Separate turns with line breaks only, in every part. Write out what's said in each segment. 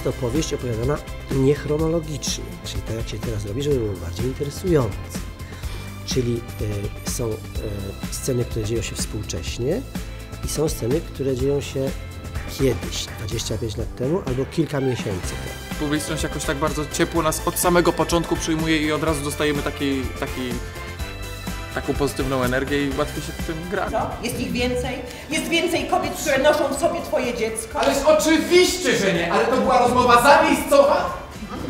opowieść opowiadana niechronologicznie, czyli tak jak się teraz robi, żeby było bardziej interesujące. Czyli są sceny, które dzieją się współcześnie i są sceny, które dzieją się kiedyś, 25 lat temu albo kilka miesięcy temu.
Publiczność jakoś tak bardzo ciepło nas od samego początku przyjmuje i od razu dostajemy taką pozytywną energię i łatwiej się w tym gra.
Co? Jest ich więcej? Jest więcej kobiet, które noszą w sobie twoje dziecko?
Ależ oczywiście, że nie, ale to była rozmowa zamiejscowa?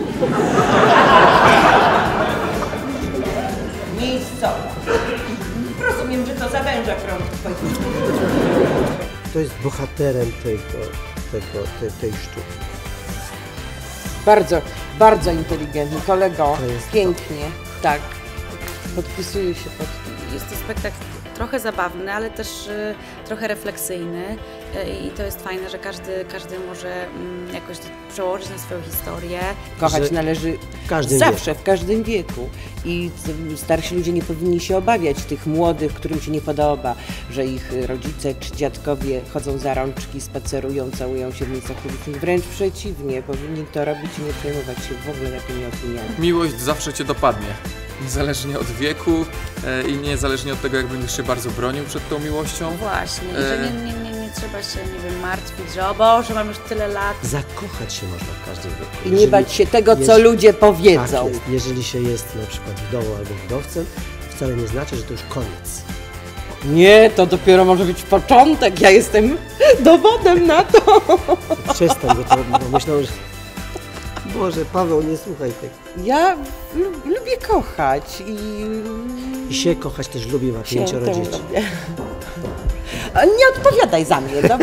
Miejscowa. Rozumiem, że to zawęża krąg twoich.
To jest bohaterem tej sztuki.
Bardzo, bardzo inteligentny kolego,
jest
pięknie, tak, podpisuję się pod tym.
Jest to spektakl trochę zabawny, ale też trochę refleksyjny i to jest fajne, że każdy może jakoś to przełożyć na swoją historię.
Kochać należy zawsze, w każdym wieku i starsi ludzie nie powinni się obawiać tych młodych, którym się nie podoba, że ich rodzice czy dziadkowie chodzą za rączki, spacerują, całują się w miejscach publicznych. Wręcz przeciwnie, powinni to robić i nie przejmować się w ogóle takimi opiniami.
Miłość zawsze cię dopadnie. Niezależnie od wieku i niezależnie od tego, jak będziesz się bardzo bronił przed tą miłością.
Właśnie, i że nie trzeba się, nie wiem, martwić, że o Boże, mam już tyle lat.
Zakochać się można w każdym wieku.
I nie bać się tego, co ludzie powiedzą.
Tak jest. Jeżeli się jest na przykład wdową albo wdowcem, wcale nie znaczy, że to już koniec.
Nie, to dopiero może być początek, ja jestem dowodem na to.
Przestań, bo myślą, że... Boże, Paweł, nie słuchaj tego.
Ja lubię kochać
I się kochać też lubi, ma 5 dzieci.
A nie odpowiadaj za mnie, dobrze?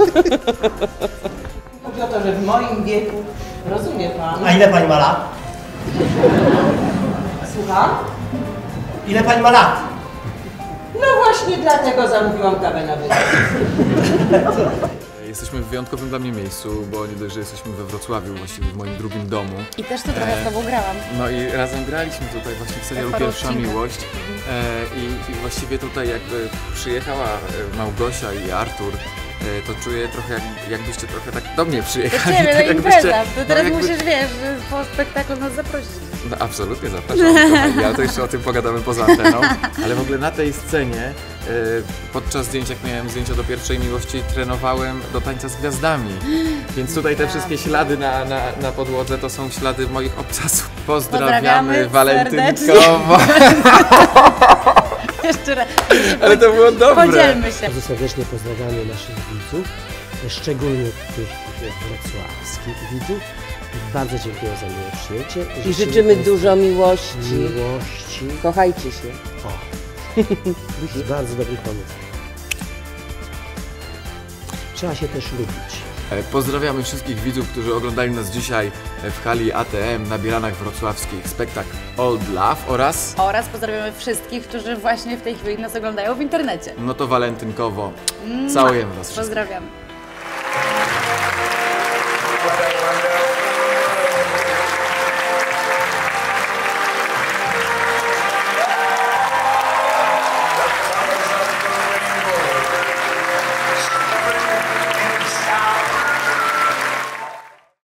Chodzi o to, że w moim wieku, rozumie pan?
A ile pani ma lat?
Słucham?
Ile pani ma lat?
No właśnie dlatego zamówiłam kawę na wydanie.
Jesteśmy w wyjątkowym dla mnie miejscu, bo nie dość, że jesteśmy we Wrocławiu, właściwie w moim drugim domu.
I też to trochę z tobą grałam.
No i razem graliśmy tutaj właśnie w serialu Pierwsza Miłość. I właściwie tutaj jakby przyjechała Małgosia i Artur, to czuję trochę jakbyście trochę tak do mnie przyjechali.
Do ciebie,
tak
na impreza. To teraz
jakby...
musisz, wiesz, po spektaklu nas zaprosić.
No absolutnie zapraszam, ja to jeszcze o tym pogadamy poza anteną, ale w ogóle na tej scenie podczas zdjęć, jak miałem zdjęcia do Pierwszej Miłości, trenowałem do tańca z gwiazdami, więc tutaj te wszystkie ślady na podłodze to są ślady moich obcasów. Pozdrawiamy walentynkowo.
Jeszcze raz.
Ale to było dobre.
Podzielmy się.
Bardzo serdecznie pozdrawiamy naszych widzów, szczególnie tych wrocławskich widzów. Bardzo dziękuję za miłe przyjęcie.
I życzymy dużo miłości. Kochajcie się.
O, to jest bardzo dobry pomysł. Trzeba się też lubić.
Pozdrawiamy wszystkich widzów, którzy oglądali nas dzisiaj w hali ATM na Bielanach Wrocławskich. Spektakl Old Love oraz
Pozdrawiamy wszystkich, którzy właśnie w tej chwili nas oglądają w internecie.
No to walentynkowo. Całujemy was wszystkich.
Pozdrawiam.